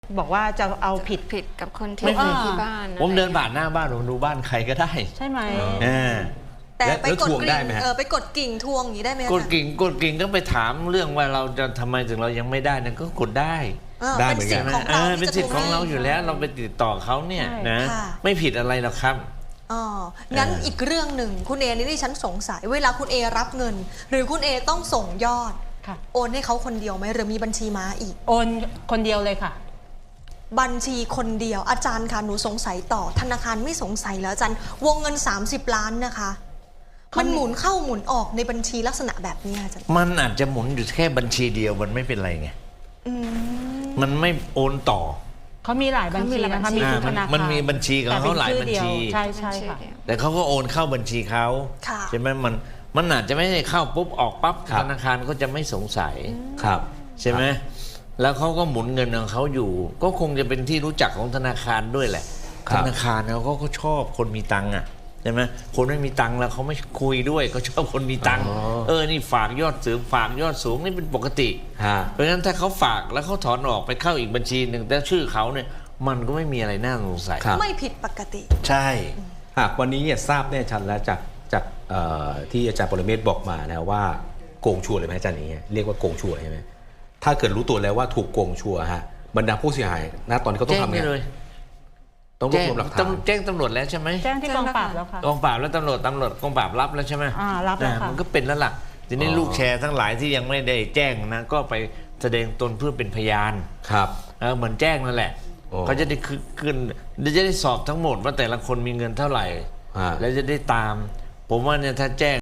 บอกว่าจะเอาผิดกับคนที่อยู่ที่บ้านผมเดินผ่านหน้าบ้านผมดูบ้านใครก็ได้ใช่ไหมแต่ไปกดทวงกิ่ได้งไหมฮะไปกดกิ่งทวงอย่างนี้ได้ไหมกดกิ่งก็ไปถามเรื่องว่าเราจะทำไมถึงเรายังไม่ได้นั่นก็กดได้ได้เป็นเหมือนสิกัทนธิ์ของเราเป็นสิทธิ์ของเราอยู่แล้วเราไปติดต่อเขาเนี่ยใช่นะค่ะไม่ผิดอะไรหรอกครับอ๋องั้นอีกเรื่องหนึ่งคุณเอนี่ดิฉันสงสัยเวลาคุณเอรับเงิน หรือคุณเอต้องส่งยอดค่ะโอนให้เขาคนเดียวไหมหรือมีบัญชีม้าอีกโอนคนเดียวเลยค่ะบัญชีคนเดียวอาจารย์คะหนูสงสัยต่อธนาคารไม่สงสัยแล้วอาจารย์วงเงิน30 ล้านนะคะมันหมุนเข้าหมุนออกในบัญชีลักษณะแบบนี้อาจารย์มันอาจจะหมุนอยู่แค่บัญชีเดียวมันไม่เป็นไรไงอืมมันไม่โอนต่อเขามีหลายบัญชีนะคะมีทุกธนาคารมันมีบัญชีของเขาหลายบัญชีใช่ใช่ค่ะแต่เขาก็โอนเข้าบัญชีเขาค่ะใช่ไหมมันอาจจะไม่ได้เข้าปุ๊บออกปั๊บครับธนาคารก็จะไม่สงสัยครับใช่ไหมแล้วเขาก็หมุนเงินของเขาอยู่ ก็คงจะเป็นที่รู้จักของธนาคารด้วยแหละครัธบนาคารเขาก็ชอบคนมีตังค์อ่ะใช่ไหมคนไม่มีตังค์แล้วเขาไม่คุยด้วยเขาชอบคนมีตังค์นี่ฝากยอดสูงฝากยอดสูงนี่เป็นปกติฮะเพราะฉะนั้นถ้าเขาฝากแล้วเขาถอนออกไปเข้าอีกบัญชีหนึ่งแต่ชื่อเขาเนี่ยมันก็ไม่มีอะไรน่าสงสัยครับไม่ผิดปกติใช่หากวันนี้เนี่ยทราบแน่ชัดแล้วจากที่อาจารย์ปรเมศบอกมานะว่าโกงชัวร์เลยไหมอาจารย์อย่างเงี้ยเรียกว่าโกงชัวร์ใช่ไหมถ้าเกิดรู้ตัวแล้วว่าถูกโกงชัวร์ฮะบรรดาผู้เสียหายนะตอนนี้เขาต้อแจ้งงทำไปไงเลยต้องรวบรวมหลักฐานแจ้งตำรวจแล้วใช่ไหมแจ้งที่กองปราบแล้วค่ะกองปราบแล้วตำรวจกองปราบรับแล้วใช่ไหมรับแล้วค่ะมันก็เป็นแล้วล่ะทีนี้ลูกแชร์ทั้งหลายที่ยังไม่ได้แจ้งนะก็ไปแสดงตนเพื่อเป็นพยานครับเหมือนแจ้งนั่นแหละโอ้เขาจะได้ขึ้นจะได้สอบทั้งหมดว่าแต่ละคนมีเงินเท่าไหร่ฮะแล้วจะได้ตาม ผมว่าเนี่ยถ้าแจ้ง